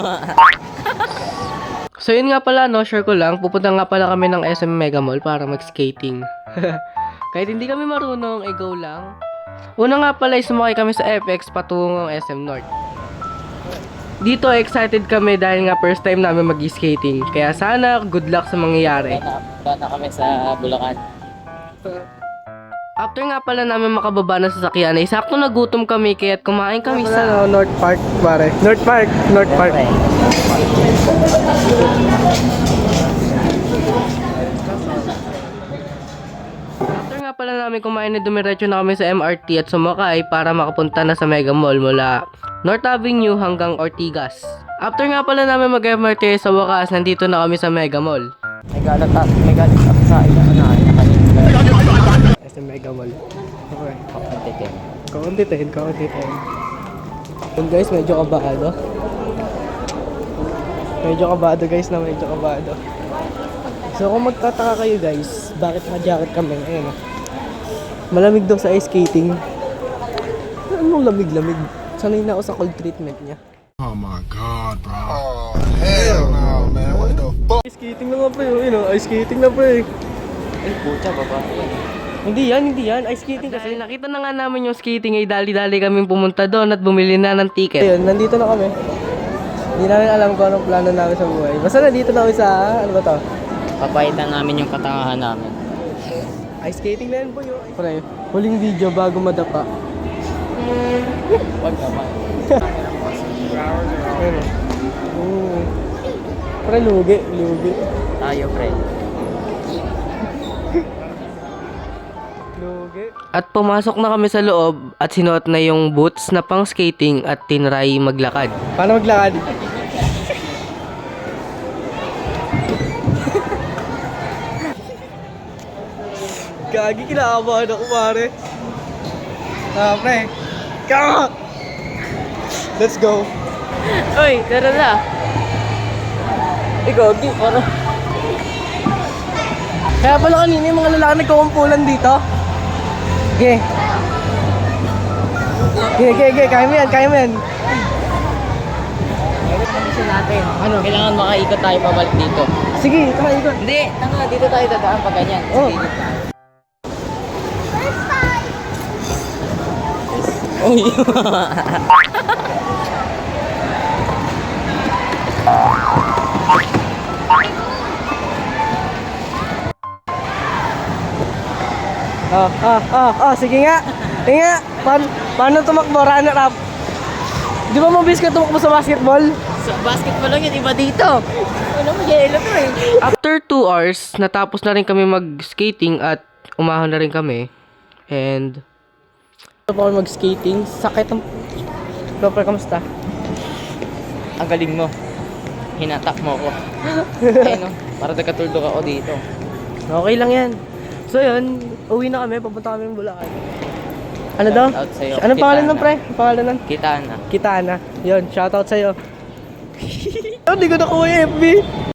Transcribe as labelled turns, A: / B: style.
A: So yun nga pala, no, share ko lang, pupunta nga pala kami ng SM Mega Mall para mag-skating. Kahit hindi kami marunong, go lang. Una nga pala, sumakay kami sa FX patungong SM North. Dito, excited kami dahil nga first time namin mag-skating. Kaya sana, good luck sa mangyayari.
B: Bata kami sa Bulacan.
A: After nga pala namin makababa na sa sasakyan, ay sakto nagutom kami kaya't kumain kami
C: sa North Park, pare. North Park.
A: After nga pala namin kumain na dumiretso na kami sa MRT at sumakay para makapunta na sa Mega Mall mula North Avenue hanggang Ortigas. After nga pala namin mag-MRT sa wakas, nandito na kami sa Mega Mall.
B: May galat ako sa ina kanina.
C: SM Mega Mall. Okay.
B: Kakunti din.
C: Kaunti 10. Yun guys, medyo kabado. Medyo kabado. So kung magtataka kayo guys, bakit naka-jacket kami? Ayun, malamig daw sa ice skating. Anong lamig-lamig? Sanay na ako sa cold treatment niya.
D: Oh my God, bro. Oh, hell no, man. What the fuck?
C: Ice skating na nga pa yun, ice skating na pa eh.
B: Ay, pucha, baba.
C: Hindi yan, ice skating
A: Kasi
C: kasi.
A: nakita na nga namin yung skating ay dali-dali kaming pumunta doon at bumili na ng ticket.
C: Ayun, nandito na kami. Hindi namin alam kung anong plano namin sa buhay. Basta nandito na kami sa, ano ba to?
B: Papaitan namin yung katangahan namin.
C: Ice skating na yan po yun. Pre, huling video bago madapa.
B: Wag naman.
C: Ayun o. Pre, lugi.
B: Tayo, pre.
C: Lugi.
A: At pumasok na kami sa loob at sinuot na yung boots na pang skating at tinry maglakad.
C: Paano maglakad? Gagi, kinakabahan ako, pare. Pre. Let's go.
A: Uy, tara na!
C: Ikaw, di, parang... Kaya pala kanina yung mga lalaki nagkukumpulan dito. Okay. Kaya mo yan.
B: Kondisyon natin. Ano? Kailangan makaikot tayo pabalik dito.
C: Sige, tama ikot.
B: Hindi, dito tayo dadaan pag ganyan.
C: Oh.
B: Uy.
C: Sige nga. Paano tumakbo, runner up? Di ba mabilis ka tumakbo sa basketball?
B: Sa basketball lang yun, iba dito. Ano mo, yelo to eh.
A: After 2 hours, natapos na rin kami mag-skating at umahon na rin kami. And
C: Ito pa ako mag-skating. Sakit ang... Pre, kamusta?
B: Ang galing mo. Hinatak mo ko. Ayun, no? Para nagkatulog ako dito.
C: Okay lang yan. So yun, uwi na kami, papunta kami ng Bulacan. Ano daw?
B: Shoutout sa'yo.
C: Anong pangalan nun,
B: Kitana.
C: pre? Ang pangalan nun?
B: Kita na.
C: Kitana. Yun, shoutout sa'yo. Hindi ko nakuha yung FB.